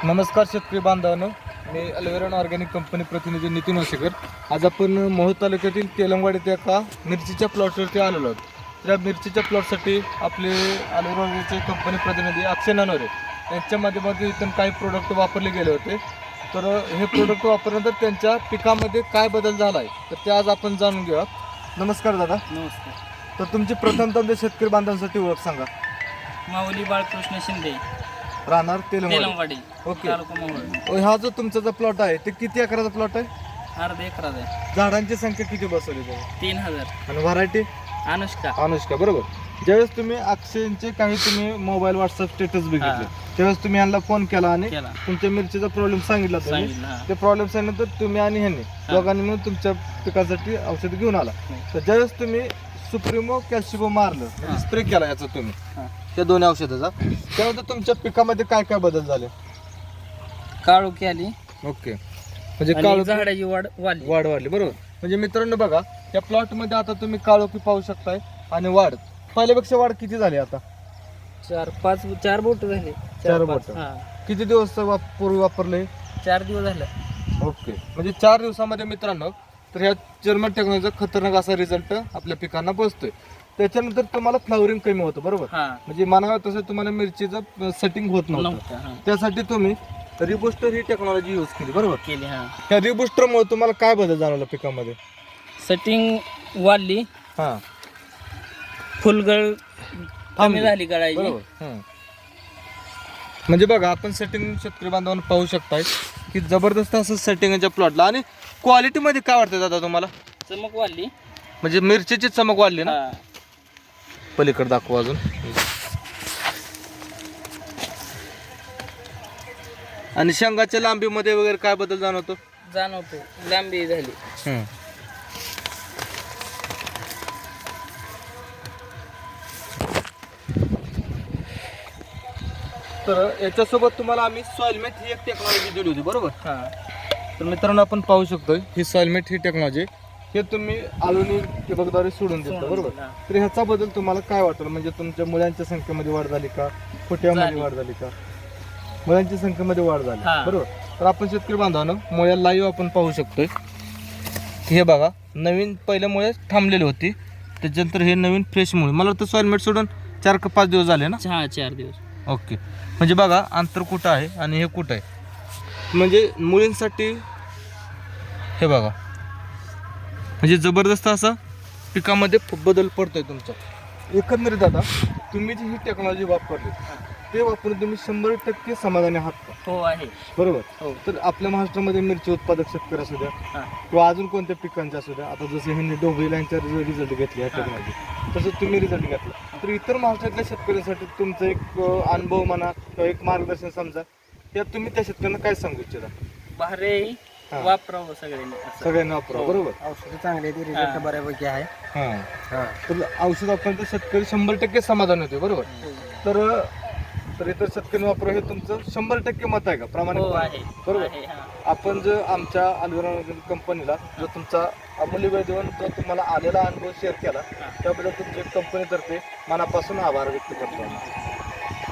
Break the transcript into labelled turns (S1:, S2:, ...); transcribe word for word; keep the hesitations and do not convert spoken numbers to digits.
S1: नमस्कार शेतकरी बांधवांनो, मी अल्वेरॉन ऑर्गॅनिक कंपनी प्रतिनिधी नितीन वसेकर. आज आपण मोहोळ तालुक्यातील तेलंगवाड येथे एका मिरचीच्या प्लॉटवरती आलेलो आहोत. त्या मिरचीच्या प्लॉटसाठी आपले अल्वेरॉन ऑर्गॅनिकचे कंपनी प्रतिनिधी अक्षय नानोरे यांच्या माध्यमातून इथून काही प्रोडक्ट वापरले गेले होते. तर हे प्रोडक्ट वापरल्यानंतर त्यांच्या पिकामध्ये काय बदल झाला आहे तर ते आज आपण जाणून घेऊया. नमस्कार दादा.
S2: नमस्कार.
S1: तर तुमची प्रथमतः शेतकरी बांधवांसाठी ओळख सांगा.
S2: माऊली बाळकृष्ण शिंदे,
S1: राहणार तेलंगवाड.
S2: तेलंगवाडी,
S1: ओके.
S2: तालुका मोहोळ.
S1: हा जो तुमचा जो प्लॉट आहे ते किती एकराचा प्लॉट आहे?
S2: अर्धा एकरात आहे.
S1: झाडांची संख्या किती बसवली तुम्ही?
S2: तीन हजार.
S1: आणि व्हरायटी?
S2: अनुष्का.
S1: अनुष्का, बरोबर. ज्यावेळेस तुम्ही अक्षयचे काही तुम्ही मोबाईल व्हॉट्सअप स्टेटस बघितले त्यावेळेस तुम्ही यांना फोन केला आणि
S2: केला.
S1: तुमच्या मिरचीचा प्रॉब्लेम सांगितला तुम्ही.
S2: सांगितलं, हा.
S1: ते प्रॉब्लेम सांगितल्यानंतर तुम्ही आणि ह्यांनी दोघांनी मिळून तुमच्या पिकासाठी औषध घेऊन आला. तर ज्यावेळेस तुम्ही सुप्रिमो कॅल्शिबो मारलं, स्प्रे केला याचा तुम्ही
S2: हा.
S1: त्या दोन्ही औषधाचा, त्यानंतर तुमच्या पिकामध्ये काय काय बदल झाले?
S2: काळोखी आली.
S1: ओके. म्हणजे
S2: आणि
S1: काळोखी
S2: झाडाची वाढ वाढली.
S1: वाढ वाढली, बरोबर. म्हणजे मित्रांनो बघा, या प्लॉट मध्ये आता तुम्ही काळोखी पाहू शकताय आणि वाढ पहिल्यापेक्षा वाढ किती झाली आता?
S2: चार पाच चार बोट झाले.
S1: चार
S2: पाच.
S1: बोटं.
S2: हा.
S1: किती दिवस वाप- पूर्वी वापरले?
S2: चार दिवस झाले.
S1: ओके. म्हणजे चार दिवसामध्ये मित्रांनो तर ह्या जर्मन टेक्नॉलॉजीचा खतरनाक असा रिझल्ट आपल्या पिकांना पोहोचतोय. त्याच्यानंतर तुम्हाला फ्लावरिंग कमी होतं, बरोबर.
S2: हा.
S1: म्हणजे म्हणावं तसं तुम्हाला मिरचीचं सेटिंग होत नव्हतं.
S2: नव्हतं. हा.
S1: त्यासाठी तुम्ही रिबुस्टर ही टेक्नॉलॉजी यूज केली, बरोबर.
S2: केली. हा.
S1: त्या रिबुस्टरमुळे तुम्हाला काय बदल जाणवला पिकामध्ये?
S2: सेटिंग वाढली.
S1: हा,
S2: फुलगळ
S1: थांबली.
S2: कमी झाली गळायची.
S1: बरोबर. हं. म्हणजे बघा, आपण सेटिंग शेतकरी बांधवांना पाहू शकताय की जबरदस्त असं सेटिंगच्या प्लॉटला. आणि क्वालिटीमध्ये काय वाटतं दादा तुम्हाला?
S2: चमक वाढली.
S1: म्हणजे मिरचीची चमक वाढली ना?
S2: हा.
S1: पलीकडे दाखवा अजून. आणि शेंगाच्या लांबीमध्ये वगैरे काय बदल जाणवतो?
S2: जाणवतो. लांबी झाली.
S1: हं. तर याच्यासोबत तुम्हाला आम्ही सॉइलमेट ही एक टेक्नॉलॉजी दिली होती, बरोबर.
S2: हा.
S1: तर मित्रांनो आपण पाहू शकतोय ही सॉइलमेट ही टेक्नॉलॉजी हे तुम्ही आळूनी ठिबकद्वारे सोडून देता, बरोबर.
S2: हा.
S1: तर ह्याचा बदल तुम्हाला काय वाटलं? म्हणजे तुमच्या मुलांच्या संख्येमध्ये वाढ झाली का? खोट्यामध्ये
S2: झाली.
S1: वाढ झाली का? मुलांच्या संख्येमध्ये वाढ झाली,
S2: हा.
S1: बरोबर. तर आपण शेतकरी बांधवांनो मुळ्या लाईव्ह आपण पाहू शकतोय. हे बघा, नवीन पहिल्या मुळे थांबलेली होती, त्याच्यानंतर हे नवीन फ्रेश मुळे. मला वाटतं सॉइलमेट सोडून चार का पाच दिवस झाले ना?
S2: हा, चार दिवस.
S1: ओके. म्हणजे बघा, अंतर कुठं आहे आणि हे कुठं आहे. म्हणजे मुलींसाठी हे बघा, म्हणजे जबरदस्त असा पिकामध्ये बदल पडतोय तुमचा. एकंदरीत आता तुम्ही जी ही टेक्नॉलॉजी वापरली ते वापरून तुम्ही शंभर टक्के समाधानी आहात का?
S2: हो आहे.
S1: बरोबर.
S2: हो.
S1: तर आपल्या महाराष्ट्रामध्ये मिरची उत्पादक शेतकरी असू द्या
S2: हा.
S1: किंवा अजून कोणत्या पिकांचे असू द्या, आता जसं ह्यांनी डोंगरी यांचा रिझल्ट घेतले या टेक्नॉलॉजी, तसं तुम्ही रिझल्ट घेतला. तर इतर महाराष्ट्रातल्या शेतकऱ्यांसाठी तुमचा एक अं, अनुभव म्हणा किंवा एक मार्गदर्शन समजा, यात तुम्ही त्या शेतकऱ्यांना काय सांगू इच्छिता?
S2: भारे
S1: हा.
S2: वापरावं सगळ्यांनी असं.
S1: सगळ्यांना वापरा, बरोबर.
S2: औषध चांगले आहेत, रिझल्ट बऱ्यापैकी आहे.
S1: हां. तर औषध वापरल्यानंतर शेतकरी शंभर टक्के समाधान होते, बरोबर. तर तर इतर शेतकरी वापरा हे तुमचं शंभर टक्के मत आहे का?
S2: हो
S1: प्रामाणिक
S2: आहे.
S1: बरोबर.
S2: आहे, हा.
S1: आपण जर आमच्या अल्वेरॉन कंपनीला जो तुमचा अमूल्य वेळ देऊन जो तुम्हाला आलेला अनुभव शेअर केला त्याबद्दल तुमच्या कंपनीतर्फे मनापासून आभार व्यक्त करतो.